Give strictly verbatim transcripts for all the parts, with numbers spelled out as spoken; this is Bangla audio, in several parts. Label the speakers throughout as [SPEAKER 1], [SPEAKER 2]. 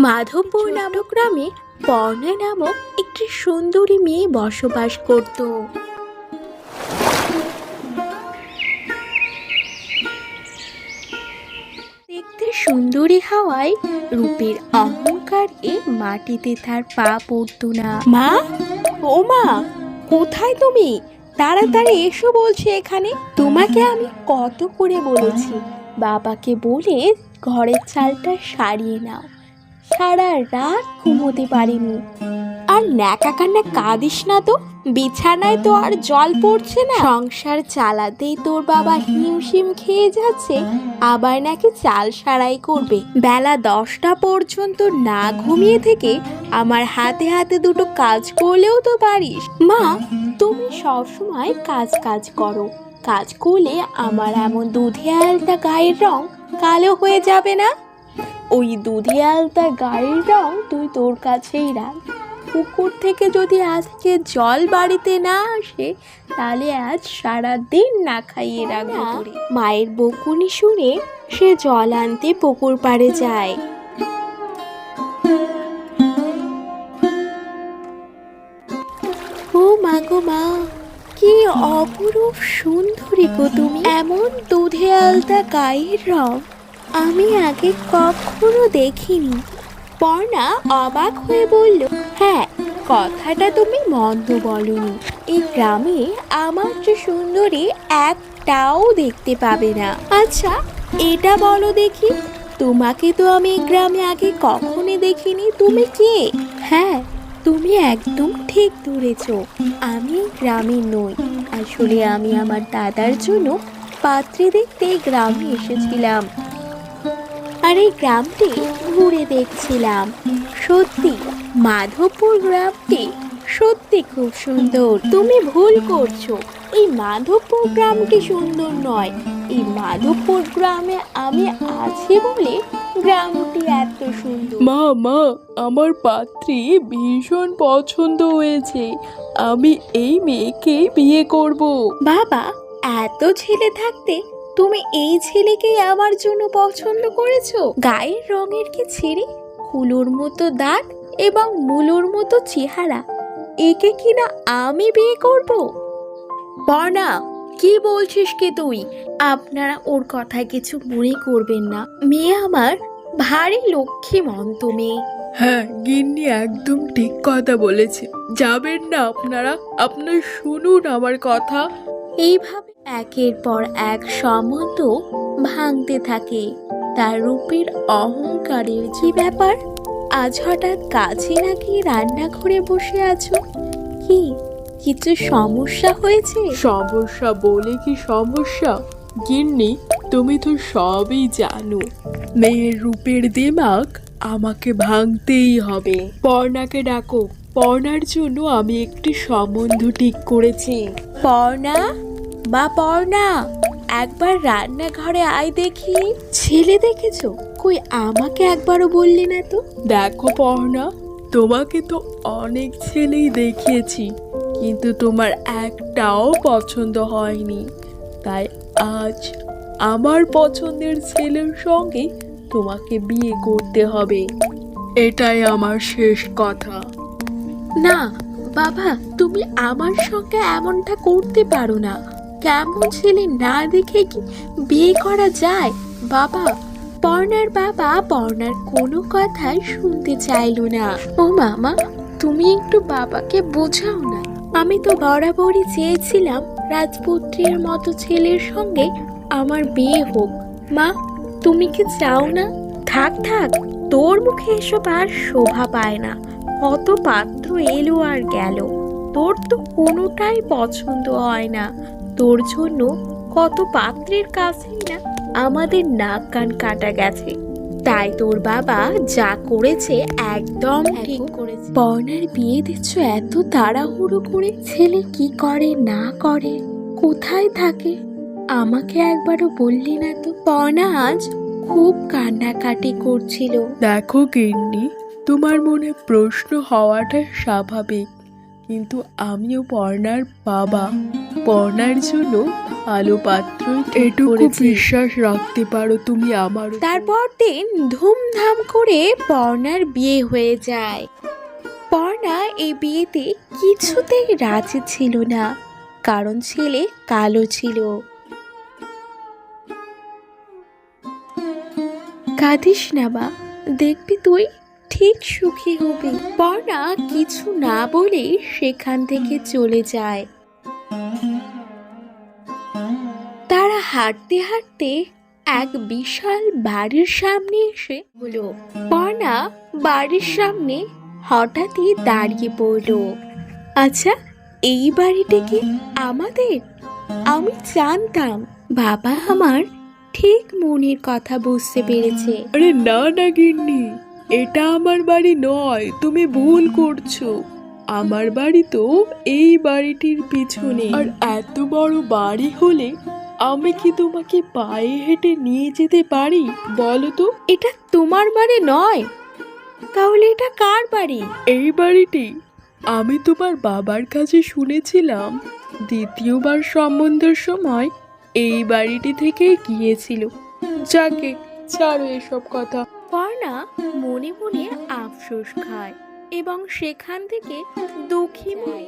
[SPEAKER 1] মাধবপুর নামক গ্রামে পর্ণা নামক একটি সুন্দরী মেয়ে বসবাস করত। দেখতে সুন্দরী হওয়ায় রূপের অহংকারে মাটিতে তার পা পড়ত না। মা, ও মা, কোথায় তুমি? তাড়াতাড়ি এসো বলছি এখানে। তোমাকে আমি কত করে বলেছি বাবাকে বলে ঘরের চালটা সারিয়ে নাও। সারা রাত ঘুমোতে পারিনি। আর ন্যাকা কান্না কাঁদিস না তো, বিছানায় তো আর জল পড়ছে না। সংসার চালাতেই তোর বাবা হিমশিম খেয়ে যাচ্ছে, আবার নাকি চাল সারাই করবে। বেলা দশটা পর্যন্ত না ঘুমিয়ে থেকে আমার হাতে হাতে দুটো কাজ করলেও তো পারিস। মা, তুমি সবসময় কাজ কাজ করো, কাজ করলে আমার এমন দুধে আলতা গায়ের রং কালো হয়ে যাবে না? ওই দুধে আলতা গায়ের রং তুই তোর কাছেই রাখ। পুকুর থেকে যদি আজকে জল বাড়িতে না আসে, তাহলে আজ সারা দিন না খাইয়ে রাখবো তোরে। মায়ের বকুনি শুনে সে জল আনতে পুকুর পাড়ে যায়। ও মা গো মা, কি অপরূপ সুন্দরী গো তুমি! এমন দুধে আলতা গায়ের রং আমি আগে কখনো দেখিনি। পর্ণা অবাক হয়ে বলল, হ্যাঁ, কথাটা তুমি মন্দ বলনি। এই গ্রামে আমার যে সুন্দরী একটাও দেখতে পাবে না। আচ্ছা, এটা বলো দেখি, তোমাকে তো আমি এই গ্রামে আগে কখনো দেখিনি। তুমি কে? হ্যাঁ, তুমি একদম ঠিক ধরেছ, আমি গ্রামে নই। আসলে আমি আমার দাদার জন্য পাত্রী দেখতে গ্রামে এসেছিলাম, আর এই গ্রামটি ঘুরে দেখছিলাম। সত্যি মাধবপুর গ্রামটি সত্যি খুব সুন্দর। তুমি ভুল করছো, এই মাধবপুর গ্রামটি সুন্দর নয়। এই মাধবপুর গ্রামে আমি আছি বলে গ্রামটি এত সুন্দর।
[SPEAKER 2] মা মা আমার পাত্রী ভীষণ পছন্দ হয়েছে, আমি এই মেয়েকে বিয়ে করব।
[SPEAKER 1] বাবা, এত ছেলে থাকতে তুমি এই ছেলেকেই আমার জন্য পছন্দ করেছো? গায়ের রঙের কি ছেড়ে, কুলোর মতো দাঁত এবং মুলোর মতো চেহারা, একে কিনা আমি বিয়ে করব? পর্ণা, কি বলছিস কি তুই? আপনারা ওর কথায় কিছু মনে করবেন না, মেয়ে আমার ভারী লক্ষ্মীমন্ত মেয়ে।
[SPEAKER 2] হ্যাঁ, গিন্নি একদম ঠিক কথা বলেছে। যাবেন না আপনারা? আপনার শুনুন আমার কথা।
[SPEAKER 1] এইভাবে একের পর এক সম্বন্ধ ভাঙতে থাকে। তার রূপের অহংকারের কি ব্যাপার? আজ হঠাৎ কাছে নাকি রান্নাঘরে বসে আছো? কি কিছু সমস্যা হয়েছে?
[SPEAKER 2] সমস্যা বলে কি সমস্যা? গিন্নি, তুমি তো সবই জানো। মেয়ের রূপের দিমাগ আমাকে ভাঙতেই হবে। পর্ণাকে ডাকো। পর্ণার জন্য আমি একটি সম্বন্ধ ঠিক করেছি।
[SPEAKER 1] পর্ণা, বা পর্ণা, একবার রান্নাঘরে আয় দেখি। ছেলে দেখেছো? কই আমাকে একবারও বললি না তো?
[SPEAKER 2] দেখো পর্ণা, তোমাকে তো অনেক ছেলেই দেখিয়েছি, কিন্তু তোমার একটাও পছন্দ হয়নি। তাই আজ আমার পছন্দের ছেলের সঙ্গে তোমাকে বিয়ে করতে হবে। এটাই আমার শেষ কথা।
[SPEAKER 1] না বাবা, তুমি আমার সঙ্গে এমনটা করতে পারো না। কেমন ছেলে না দেখে কি বিয়ে করা যায়? বাবা, পর্ণার বাবা পর্ণার কোনো কথাই শুনতে চাইলো না। ও মামা, তুমি একটু বাবাকে বোঝাও না। আমি তো বরাবরই চেয়েছিলাম রাজপুত্রের মতো ছেলের সঙ্গে আমার বিয়ে হোক। মা, তুমি কি চাও না? থাক থাক, তোর মুখে এসব আর শোভা পায় না। কত পাত্র এলো আর গেল, তোর তো কোনোটাই পছন্দ হয় না। তোর জন্য কত পাত্রের কাছেই না আমাদের নাক কান কাটা গেছে। তাই তোর বাবা যা করেছে একদম ঠিক করেছে। পর্ণার বিয়ে দিচ্ছ এত তাড়াহুড়ো করে? ছেলে কি করে না করে, কোথায় থাকে, আমাকে একবারও বললি না তো? পর্ণা আজ খুব কান্নাকাটি করছিল।
[SPEAKER 2] দেখো গিন্নি, তোমার মনে প্রশ্ন হওয়াটা স্বাভাবিক। কিন্তু আমিও পর্ণার বাবা, পর্ণার জন্য ভালো পাত্র এটুকু বিশ্বাস রাখতে পারো তুমি আমার উপর।
[SPEAKER 1] তারপর দিন ধুমধাম করে পর্ণার বিয়ে হয়ে যায়। পর্ণা এই বিয়েতে কিছুতেই রাজি ছিল না, কারণ ছেলে কালো ছিল। কাঁদিস না মা, দেখবি তুই ঠিক সুখী হবি। পর্ণা কিছু না বলে সেখান থেকে চলে যায়। তারা হাঁটতে হাঁটতে এক বিশাল বাড়ির সামনে এসে হলো। পর্ণা বাড়ির সামনে হঠাৎই দাঁড়িয়ে পড়ল। আচ্ছা, এই বাড়িটা কি আমাদের? আমি জানতাম বাবা আমার ঠিক মনের কথা বুঝতে পেরেছে।
[SPEAKER 2] আরে না না গিন্নি, এটা আমার বাড়ি নয়, তুমি ভুল করছো। আমার বাড়ি তো এই বাড়িটির পিছনে। আর এত বড় বাড়ি হলে আমি কি তোমাকে পায়ে হেঁটে নিয়ে যেতে পারি বলো তো?
[SPEAKER 1] এটা তোমার বাড়ি নয়, তাহলে এটা কার বাড়ি?
[SPEAKER 2] এই বাড়িটি আমি তোমার বাবার কাছে শুনেছিলাম দ্বিতীয়বার সম্বন্ধের সময় এই বাড়িটি থেকে গিয়েছিল। যাকে ছাড়ো এসব কথা।
[SPEAKER 1] পর্ণা মনে মনে আফসোস খায় এবং সেখান থেকে দুঃখী মনে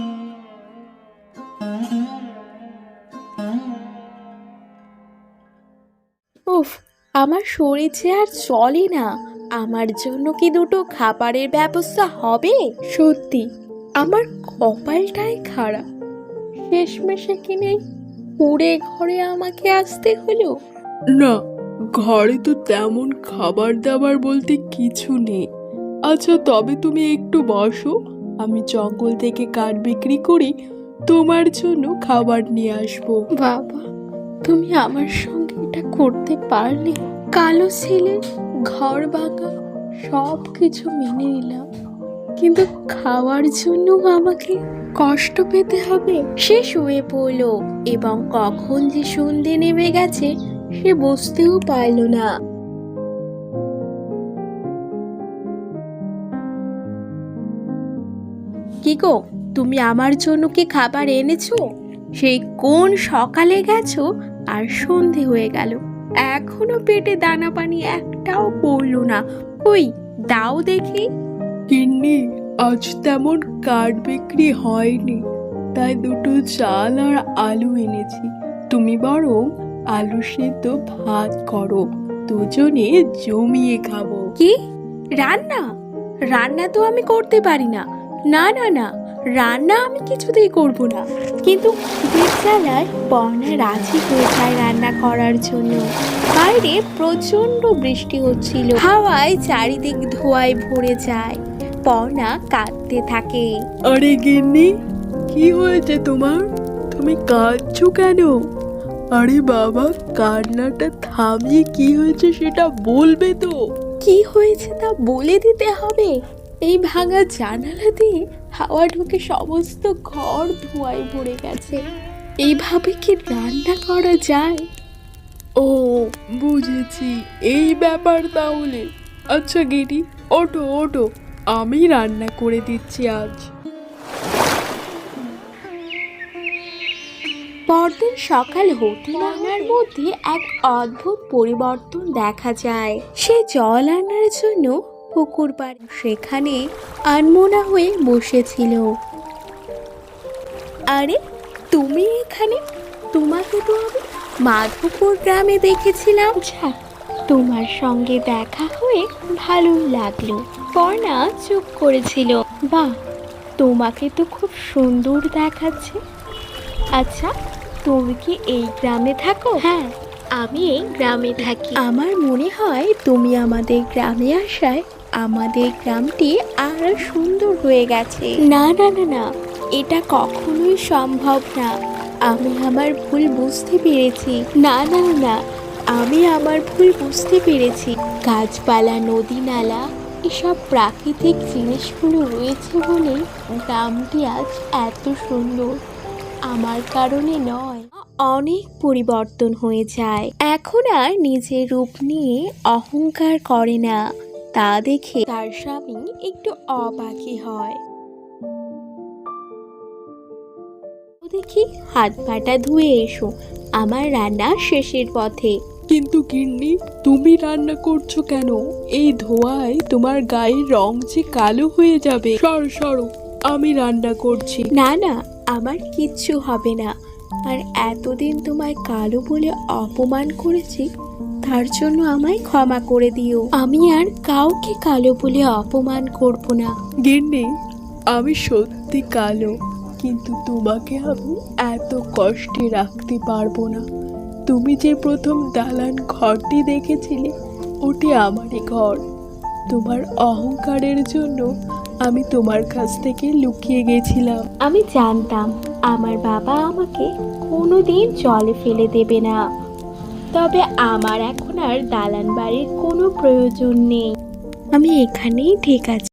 [SPEAKER 1] উফ, আমার শরীর যে আর চলে না। আমার জন্য কি দুটো খাবারের ব্যবস্থা হবে? সত্যি আমার কপালটাই খারাপ, শেষমেশে কিনে পুড়ে ঘরে আমাকে আসতে হলো।
[SPEAKER 2] না, ঘরে তো তেমন খাবার দাবার বলতে কিছু নেই। আচ্ছা তবে তুমি একটু বসো, আমি জঙ্গল থেকে কাঠ বিক্রি করি তোমার জন্য খাবার নিয়ে আসবো।
[SPEAKER 1] বাবা, তুমি আমার সঙ্গে এটা করতে পারলে? কালো ছেলে, ঘর ভাঙা, সব কিছু মেনে নিলাম, কিন্তু খাওয়ার জন্য আমাকে কষ্ট পেতে হবে। সে শুয়ে পড়ল এবং কখন যে সন্ধে নেমে গেছে সে বুঝতেও পারল না। কি গো, তুমি আমার জন্য কি খাবার এনেছো? সেই কোন সকালে গেছো আর সন্ধে হয়ে গেল, এখনো পেটে দানা পানি একটাও পড়লো না। ওই দাও দেখি।
[SPEAKER 2] গিন্নি, আজ তেমন কাঠ বিক্রি হয়নি, তাই দুটো চাল আর আলু এনেছি। তুমি বরং আলু সেদ্ধ ভাত করো, দুজনে জমিয়ে খাবো।
[SPEAKER 1] কি রান্না? রান্না তো আমি করতে পারি না। না না না, রান্না আমি কিছুতেই করব না। কিন্তু বিদ্যালয় পর্ণা রাজি হয়ে যায় রান্না করার জন্য। বাইরে প্রচন্ড বৃষ্টি হচ্ছিল, হাওয়ায় চারিদিক ধোঁয়ায় ভরে যায়। পর্ণা কাঁদতে থাকে।
[SPEAKER 2] আরে গিন্নি, কি হয়েছে তোমার? তুমি কাঁদছো কেন? আরে বাবা, কান্নাটা থামিয়ে কি হয়েছে সেটা বলবে তো।
[SPEAKER 1] কি হয়েছে তা বলে দিতে হবে? এই ভাঙা জানালা দিয়ে হাওয়া ঢুকে সমস্ত ঘর ধোঁয়ায় ভরে গেছে। এইভাবে কি রান্না করা যায়?
[SPEAKER 2] ও বুঝেছি, এই ব্যাপার তাহলে। আচ্ছা গিরি, ওঠো ওঠো, আমি রান্না করে দিচ্ছি আজ।
[SPEAKER 1] পরদিন সকাল হতে রান্নার মধ্যে এক অদ্ভুত পরিবর্তন দেখা যায়। সে জল আনার জন্য পুকুর পাড়ে, সেখানে আনমনা হয়ে বসেছিল। আরে তুমি এখানে? তোমাকে তো আমি মাধবপুর গ্রামে দেখেছিলাম। আচ্ছা, তোমার সঙ্গে দেখা হয়ে ভালোই লাগলো। পর্ণা চুপ করেছিল। বাহ, তোমাকে তো খুব সুন্দর দেখাচ্ছে। আচ্ছা, তুমি কি এই গ্রামে থাকো? হ্যাঁ, আমি এই গ্রামে থাকি। আমার মনে হয় তুমি আমাদের গ্রামে আসায় আমাদের গ্রামটি আরো সুন্দর হয়ে গেছে। না না না না, এটা কখনোই সম্ভব না। আমি আমার ভুল বুঝতে পেরেছি। না না না, আমি আমার ভুল বুঝতে পেরেছি। গাছপালা, নদী নালা, এসব প্রাকৃতিক জিনিসগুলো রয়েছে বলেই গ্রামটি আজ এত সুন্দর। আমার কারণে নয়। অনেক পরিবর্তন হয়ে যায়। এখন আর নিজের রূপ নিয়ে অহংকার করে না। তা দেখে তার স্বামী একটু অবাকই হয়। দেখি হাত পাটা ধুয়ে এসো, আমার রান্না শেষের পথে।
[SPEAKER 2] কিন্তু গিন্নি, তুমি রান্না করছো কেন? এই ধোঁয়ায় তোমার গায়ের রং যে কালো হয়ে যাবে। সরো সরো, আমি রান্না করছি।
[SPEAKER 1] না না, আমার কিচ্ছু হবে না। আর এতদিন তোমায় কালো বলে অপমান করেছি, তার জন্য আমায় ক্ষমা করে দিও। আমি আর কাউকে কালো বলে অপমান করব না।
[SPEAKER 2] গিন্নি, আমি সত্যি কালো, কিন্তু তোমাকে আমি এত কষ্টে রাখতে পারবো না। তুমি যে প্রথম দালান ঘরটি দেখেছিলে, ওটি আমারই ঘর। তোমার অহংকারের জন্য আমি তোমার কাছ থেকে লুকিয়ে গেছিলাম।
[SPEAKER 1] আমি জানতাম আমার বাবা আমাকে কোনোদিন জলে ফেলে দেবে না। তবে আমার এখন আর দালান বাড়ির কোনো প্রয়োজন নেই। আমি এখানেই ঠিক আছি।